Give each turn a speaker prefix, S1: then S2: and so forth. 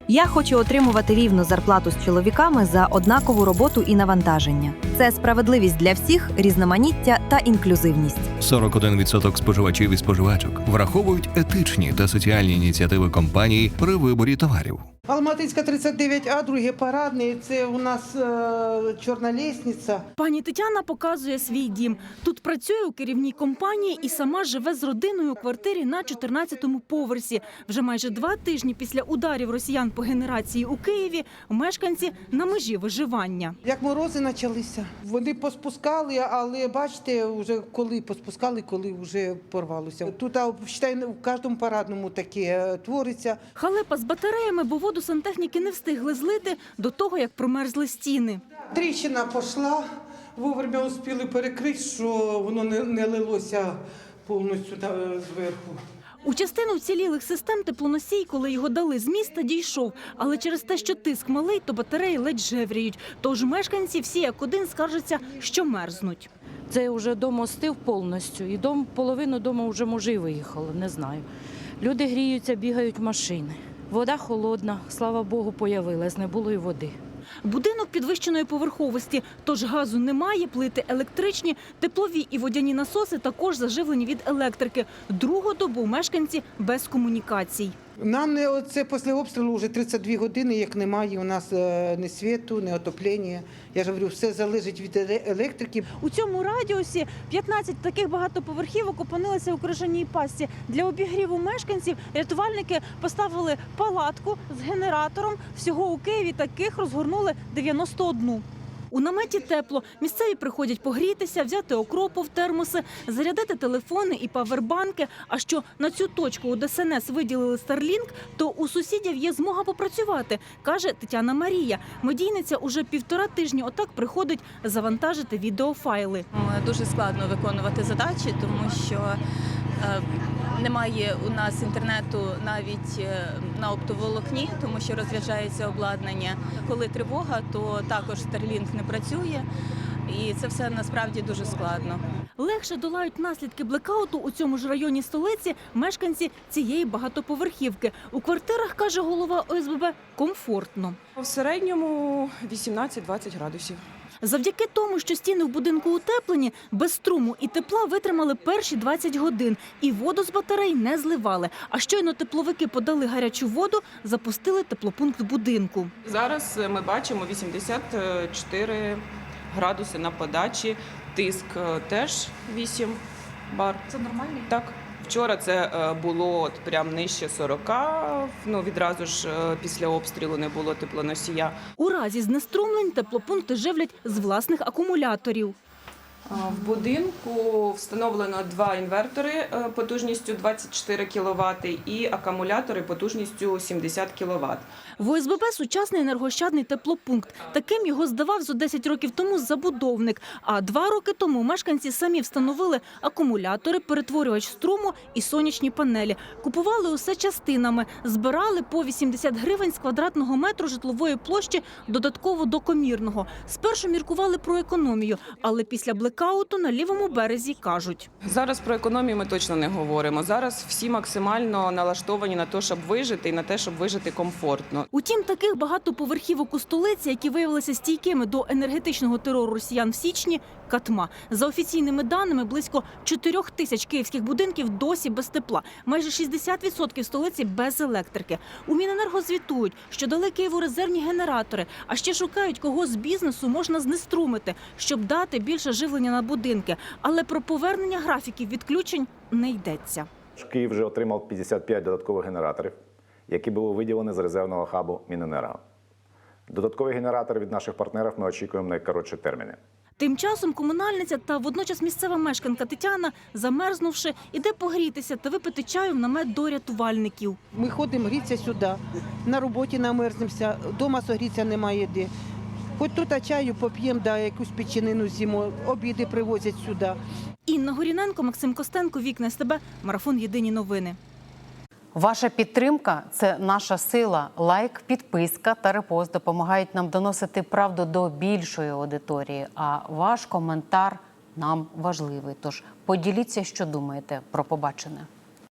S1: Я хочу отримувати рівну зарплату з чоловіками за однакову роботу і навантаження. Це справедливість для всіх, різноманіття та інклюзивність.
S2: 41% споживачів і споживачок враховують етичні та соціальні ініціативи компаній при виборі товарів.
S3: Алматинська 39А, другий парадний, це у нас чорна лестниця.
S4: Пані Тетяна показує свій дім. Тут працює у керівній компанії і сама живе з родиною у квартирі на 14-му поверсі. Вже майже 2 тижні після ударів росіян по генерації у Києві мешканці на межі виживання.
S3: Як морози почалися, вони поспускали, але бачите, вже коли поспускали, коли вже порвалося. Тут, вважаю, в кожному парадному таке твориться.
S4: Халепа з батареями, бо воду сантехніки не встигли злити до того, як промерзли стіни.
S3: Тріщина пішла, вовремя успіли перекрити, що воно не лилося повністю зверху.
S4: У частину вцілілих систем теплоносій, коли його дали з міста, дійшов. Але через те, що тиск малий, то батареї ледь жевріють. Тож мешканці всі як один скаржаться, що мерзнуть.
S5: Це вже дом остив повністю, і половину дому вже мужі виїхали, не знаю. Люди гріються, бігають машини. Вода холодна, слава Богу, появилась, не було й води.
S4: Будинок підвищеної поверховості, тож газу немає, плити електричні, теплові і водяні насоси також заживлені від електрики. Другу добу мешканці без комунікацій.
S3: Нам це після обстрілу вже 32 години, як немає у нас ні світу, ні отоплення. Я ж говорю, все залежить від електрики.
S4: У цьому радіусі 15 таких багатоповерхівок опинилися у крижаній пастці. Для обігріву мешканців рятувальники поставили палатку з генератором. Всього у Києві таких розгорнули 91. У наметі тепло. Місцеві приходять погрітися, взяти окропу в термоси, зарядити телефони і павербанки. А що на цю точку у ДСНС виділили Starlink, то у сусідів є змога попрацювати, каже Тетяна Марія. Медійниця уже 1,5 тижні отак приходить завантажити відеофайли.
S6: Дуже складно виконувати задачі, тому що немає у нас інтернету навіть на оптоволокні, тому що розряджається обладнання. Коли тривога, то також Starlink не працює, і це все насправді дуже складно.
S4: Легше долають наслідки блекауту у цьому ж районі столиці мешканці цієї багатоповерхівки. У квартирах, каже голова ОСББ, комфортно.
S7: В середньому 18-20 градусів.
S4: Завдяки тому, що стіни в будинку утеплені, без струму і тепла витримали перші 20 годин. І воду з батарей не зливали. А щойно тепловики подали гарячу воду, запустили теплопункт будинку.
S7: Зараз ми бачимо 84 градуси на подачі, тиск теж 8 бар.
S4: Це нормально?
S7: Так. Вчора це було прям нижче 40, відразу ж після обстрілу не було теплоносія.
S4: У разі знеструмлень теплопункти живлять з власних акумуляторів.
S7: В будинку встановлено 2 інвертори потужністю 24 кВт і акумулятори потужністю 70 кВт.
S4: В ОСББ сучасний енергоощадний теплопункт. Таким його здавав зо 10 років тому забудовник. А 2 роки тому мешканці самі встановили акумулятори, перетворювач струму і сонячні панелі. Купували усе частинами, збирали по 80 гривень з квадратного метру житлової площі додатково до комірного. Спершу міркували про економію, але після блекауту на лівому березі кажуть.
S7: Зараз про економію ми точно не говоримо. Зараз всі максимально налаштовані на те, щоб вижити і на те, щоб вижити комфортно.
S4: Утім, таких багатоповерхівок у столиці, які виявилися стійкими до енергетичного терору росіян в січні, катма. За офіційними даними, близько 4 тисяч київських будинків досі без тепла. Майже 60% столиці без електрики. У Міненерго звітують, що дали Києву резервні генератори, а ще шукають, кого з бізнесу можна знеструмити, щоб дати більше живлення на будинки. Але про повернення графіків відключень не йдеться.
S8: Київ вже отримав 55 додаткових генераторів, які були виділені з резервного хабу Міненерго. Додаткові генератори від наших партнерів ми очікуємо на найкоротші терміни.
S4: Тим часом комунальниця та водночас місцева мешканка Тетяна, замерзнувши, іде погрітися та випити чаю в намет до рятувальників.
S3: Ми ходимо грітися сюди, на роботі намерзнемося, вдома согрітися немає де. Хоч тут чаю поп'ємо, якусь печенину з'їмо, обіди привозять сюди.
S4: Інна Горіненко, Максим Костенко, Вікна СТБ, Марафон Єдині новини.
S9: Ваша підтримка – це наша сила. Лайк, підписка та репост допомагають нам доносити правду до більшої аудиторії. А ваш коментар нам важливий. Тож поділіться, що думаєте про побачене.